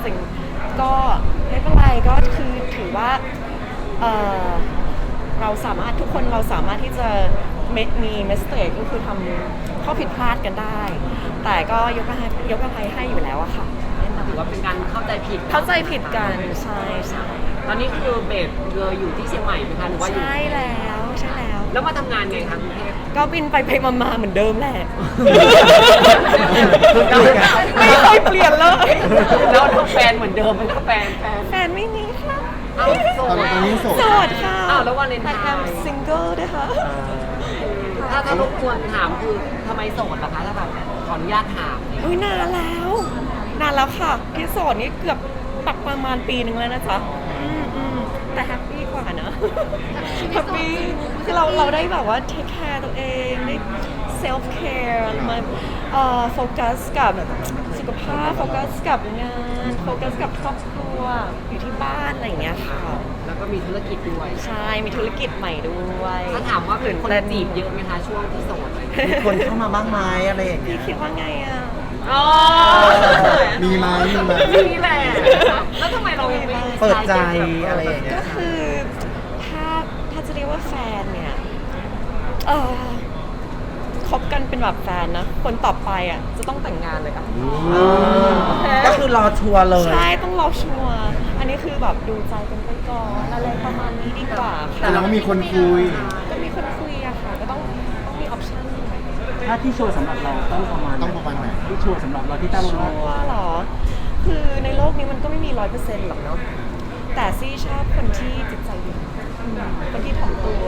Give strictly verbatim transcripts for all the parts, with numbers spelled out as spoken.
จริงก็ไม่เป็นไรก็คือถือว่าเออเราสามารถทุกคนเราสามารถที่จะมี mistake ก็คือทำข้อผิดพลาดกันได้ แต่ก็ยกอภัยยกอภัยให้อยู่แล้วอะค่ะถือว่าเป็นการเข้าใจผิดเข้าใจผิดกันใช่ใช่ตอนนี้คือเบสเลยอยู่ที่เชียงใหม่ไหมคะหรือว่าอยู่ใช่แล้วใช่แล้วแล้วมาทำงานไงคะกรุงเทพก็บินไปไปมาๆเหมือนเดิมแหละไม่เคยเปลี่ยนเลยแล้วแฟนเหมือนเดิมมันก็แฟนแฟนแฟนไม่มีค่ะโสดตอนนี้โสดโสดค่ะอ้าวแล้ววันเลนไทน์แต่ single ด้วยค่ะถ้าถ้ารบกวนถามคือทำไมโสดล่ะคะถ้าแบบขออนุญาตถามอุ้ยนานแล้วนานแล้วค่ะที่โสดนี่เกือบปักประมาณปีหนึ่งแล้วนะจ๊ะอืมอืมแต่แฮปปี้กว่านะแฮปปี้คือเราเราได้แบบว่าเทคแคร์ตัวเองได้เซลฟ์แคร์มาเอ่อโฟกัสกับสุขภาพโฟกัสกับงานโฟกัสกับครอบครัวอยู่ที่บ้านอะไรอย่างเงี้ยค่ะแล้วก็มีธุรกิจด้วยใช่มีธุรกิจใหม่ด้วยถ้าถามว่าเป็นคนจีบเยอะไหมคะช่วงที่โสดมีคนเข้ามาบ้างไหมอะไรอย่างเงี้พี่ยคิดว่าไงอ่ะอ๋อมีไหมมีไหมมีแหละแล้วทำไมเราไม่เปิดใจอะไรอย่างเงี้ยก็คือถ้าถ้าจะเรียกว่าแฟนเนี่ยเออคบกันเป็นแบบแฟนนะคนต่อไปอ่ะจะต้องแต่งงานเลยอ่ะก็คือรอชัวร์เลยใช่ต้องรอชัวร์อันนี้คือแบบดูใจกันไปก่อนอะไรประมาณนี้ดีกว่าแต่เราก็มีคนคุยก็มีคนคุยอะค่ะก็ต้องต้องมีออปชั่นถ้าที่ชัวร์สำหรับเราต้องประมาณต้องประมาณไหนที่ชัวร์สำหรับเราที่ตั้งชัวร์หรอคือในโลกนี้มันก็ไม่มีร้อยเปอร์เซ็นต์หรอกเนาะแต่ซี่ชอบคนที่จิตใจดีคนที่ถ่อมตัว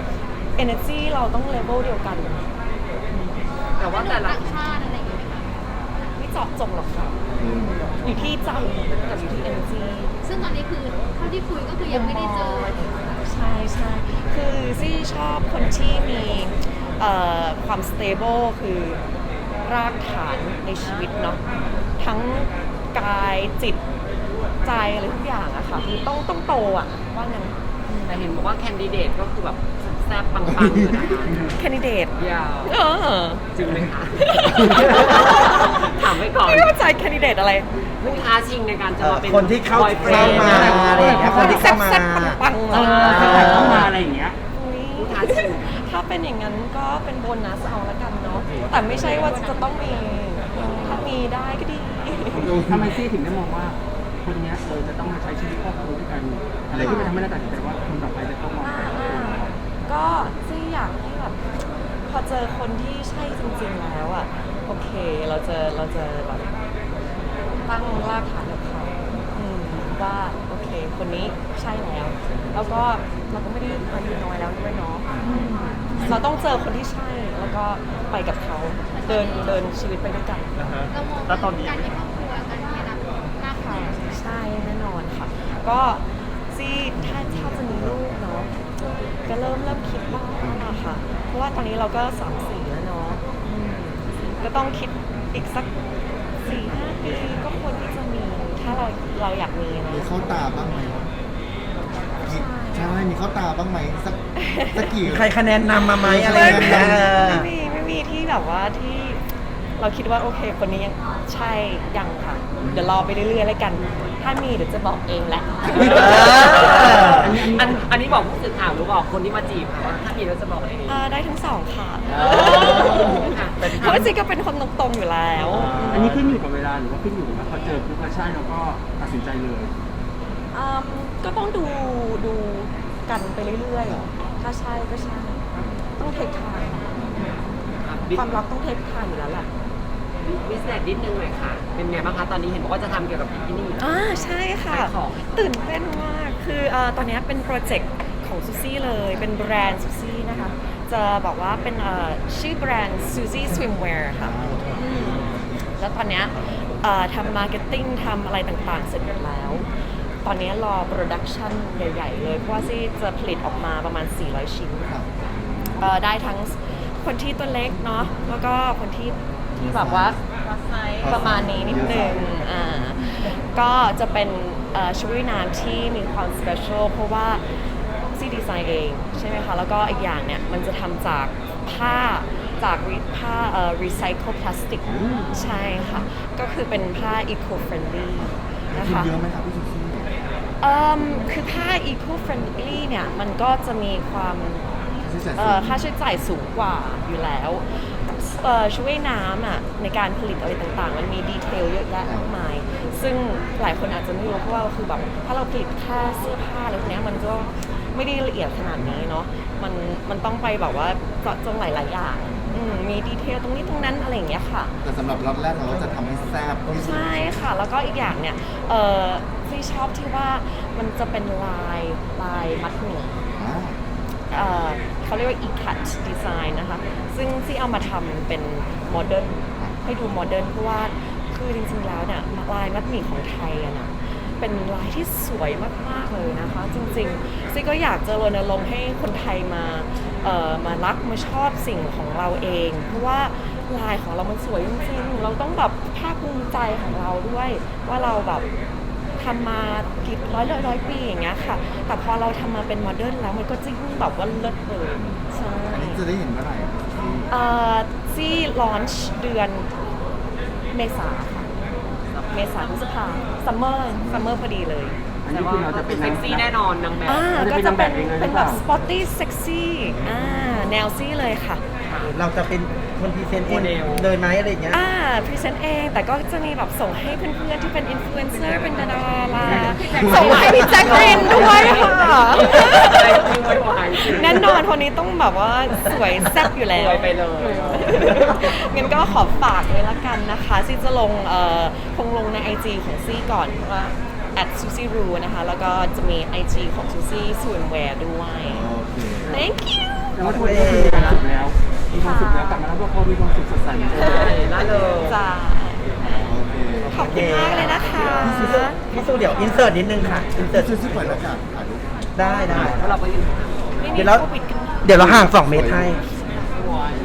energy เราต้องเลเวลเดียวกันแต่ว่าแต่ละชาติอะไรอย่างเงี้ยไม่เจาะจงหรอกค่ะอยู่ที่ใจกับอยู่ที่ energy ซึ่งตอนนี้คือเท่าที่คุยก็คือยังไม่ได้เจอใช่ใช่คือซี่ชอบคนที่มีความ stable คือรากฐานในชีวิตเนาะทั้งกายจิตใจอะไรทุกอย่างอะค่ะคือต้องต้องโตอะว่างั้นแต่เห็นบอกว่าแคนดิเดตก็คือแบบแซ่บปังๆเลยนะคะแคนดิเดตยาวเออจริงไหมคะถามไว้ก่อนไม่เข้าใจแคนดิเดตอะไรผู้ท้าชิงในการจะมาเป็นคนที่เข้ามาอะไรอย่างเงี้ยคนที่เข้ามาปังๆเลยเข้ามาอะไรอย่างเงี้ยผู้ท้าชิงถ้าเป็นอย่างนั้นก็เป็นโบนัสเอาละกันเนาะแต่ไม่ใช่ว่าจะต้องมีถ้ามีได้ก็ดีทำไมซี่ถึงได้มองว่าคนนี้เออจะต้องมาใช้ชีวิตครอบครัวด้วยกันอะไรที่มันทำให้เราตัดสินใจว่าคนต่อไปจะต้องมองก็ซี่อยากให้แบบพอเจอคนที่ใช่จริงๆแล้วอ่ะโอเคเราจะเราจะแบบตั้งรากฐานกับเขาว่าโอเคคนนี้ใช่แล้วแล้วก็เราก็ไม่ได้อายุน้อยแล้วด้วยเนาะเราต้องเจอคนที่ใช่แล้วก็ไปกับเขาเดินเดินชีวิตไปด้วยกันแล้วตอนนี้การมีครอบครัวการมีอนาคตหน้าค่ะใช่แน่นอนค่ะก็ซี่ถ้าถ้าจะมีลูกเนาะก็เริ่มเริ่มคิดบ้างแล้วค่ะเพราะว่าตอนนี้เราก็สามสี่แล้วเนาะก็ต้องคิดอีกสักสี่ห้าปีก็ควรที่จะมีถ้าเราเราอยากมีนะมีเข้าตาบ้างไหมใช่มีเข้าตาบ้างไหมสักสักกี่ใครคะแนนนำมาไหมอะไรอย่างเงี้ยไม่มีไม่มีที่แบบว่าที่เราคิดว่าโอเคคนนี้ยังใช่ยังค่ะเดี๋ยวรอไปเรื่อยๆแล้วกันถ้ามีเดี๋ยวจะบอกเองแหละอันอันนี้บอกผู้สื่อข่าวหรือบอกคนที่มาจีบค่ะว่าถ้ามีเราจะบอกเองได้ทั้งสองค่ะเพราะจริงก็เป็นคนตรงๆอยู่แล้วอันนี้ขึ้นอยู่กับเวลาหรือว่าขึ้นอยู่กับว่าพอเจอปุ๊บใช่เราก็ตัดสินใจเลยก็ต้องดูดูกันไปเรื่อยๆถ้าใช่ก็ใช่ต้องเทคไทม์ความรักต้องเทคไทม์อยู่แล้วแหละบิสเนสนิดนึงหน่อยค่ะเป็นไงบ้างคะตอนนี้เห็นบอกว่าจะทำเกี่ยวกับบิกินี่อ่าใช่ค่ะตื่นเต้นมากคือตอนนี้เป็นโปรเจกต์ของซูซี่เลยเป็นแบรนด์ซูซี่นะคะจะบอกว่าเป็นชื่อแบรนด์ Suzy Swimwear ค่ะแล้วตอนนี้ทำมาร์เก็ตติ้งทำอะไรต่างๆเสร็จหมดแล้วตอนนี้รอโปรดักชันใหญ่ๆเลยเพราะว่าซี่จะผลิตออกมาประมาณสี่ร้อยชิ้นได้ทั้งคนที่ตัวเล็กเนาะแล้วก็คนที่ที่แบบว่าประมาณนี้นิดนึงอ่าก็จะเป็นชุดว่ายน้ำที่มีความสเปเชียลเพราะว่าซี่ดีไซน์เองใช่ไหมคะแล้วก็อีกอย่างเนี่ยมันจะทำจากผ้าจากผ้ารีไซเคิลพลาสติกใช่ค่ะก็คือเป็นผ้า eco friendly นะทุนคะเยอะไหมครับพี่ซูซี่เอิ่มคือผ้า eco friendly เนี่ยมันก็จะมีความใช้จ่ายเอ่สูอง ค่าใช้จ่ายสูงกว่าอยู่แล้วเอ่อช่วยน้ำอ่ะในการผลิตอะไรต่างๆ มันมีดีเทลเยอะแยะมากมาย ซึ่งหลายคนอาจจะไม่รู้เพราะว่าคือแบบถ้าเราผลิตแค่เสื้อผ้าอะไรพวกเนี้ยมันก็ไม่ได้ละเอียดขนาดนี้เนาะมันมันต้องไปแบบว่าเจาะจงหลายๆอย่างอืมมีดีเทลตรงนี้ตรงนั้นอะไรอย่างเงี้ยค่ะแต่สำหรับล็อตแรกเราจะทำให้แซ่บที่สุดใช่ค่ะ แล้วก็อีกอย่างเนี่ย เออที่ชอบที่ว่ามันจะเป็นลายลายมัดหมี่อ่าเอ่อเขาเรียกว่า e-cut design นะคะ ซึ่งที่เอามาทำเป็นโมเดิร์นให้ดูโมเดิร์นเพราะว่าคือจริงๆแล้วเนี่ยลายมัดหมี่ของไทยอะนะเป็นลายที่สวยมากๆเลยนะคะ จริงๆซี่ก็อยากจะรณรงค์ให้คนไทยมาเอ่อมารักมาชอบสิ่งของเราเอง เพราะว่าลายของเรามันสวยจริงๆเราต้องแบบภาคภูมิใจของเราด้วยว่าเราแบบทำมากี่ร้อยร้อยร้อยปีอย่างเงี้ยค่ะ แต่พอเราทำมาเป็นโมเดิร์นแล้วมันก็จะยิ่งแบบว่าเลิศเลยใช่อันนี้จะได้เห็นเมื่อไหร่ครับพี่ซูซี่เอ่อซี่ลอนช์เดือนเมษาค่ะเมษาพฤษภาซัมเมอร์ซัมเมอร์พอดีเลยอันแต่นี้ว่าคือเราจะเป็นเซ็กซี่แน่นอนนางแบบอ่าเราจะก็เป็นจะเป็นนางแบบยังไงเป็นหรือเปแบบล่าสปอตตี้เซ็กซี่อ่าแนวซี่เลยค่ะเราจะเป็นคนพรีเซนต์เองเลยไหมอะไรอย่างเงี้ยอ่าพรีเซนต์เองแต่ก็จะมีแบบส่งให้เพื่อนๆที่เป็นอินฟลูเอนเซอร์เป็นดาราส่งให้พี่แจ็คเรนด้วยค่ะไม่ไหวแน่นอนคนนี้ต้องแบบว่าสวยแซ่บอยู่แล้วสวยไปเลยงั้นก็ขอฝากเลยละกันนะคะซี่จะลงเอ่อคงลงใน ไอ จี ของซี่ก่อนว่า at susie ru นะคะ แล้วก็จะมี ไอ จี ของ susie swimwear ด้วยโอเค thank you แต่ว่าทุกคนก็คือมีความสุขแล้ว มีความสุขแล้วกลับมาแล้วพวกเขามีความสุขสดใสเหมือนเดิมใช่น่าเลยจ้าโอเคขอบคุณมากเลยนะคะพี่ซูพี่ซูเดี๋ยวอินเสิร์ตนิดนึงค่ะ อินเสิร์ตซูซี่ปล่อยแล้วจ้ะถ่ายรูปได้ได้แล้วเราก็ยืนไม่มีเดี๋ยวเราโควิดกันเดี๋ยวเราห่างสองเมตรให้โอเค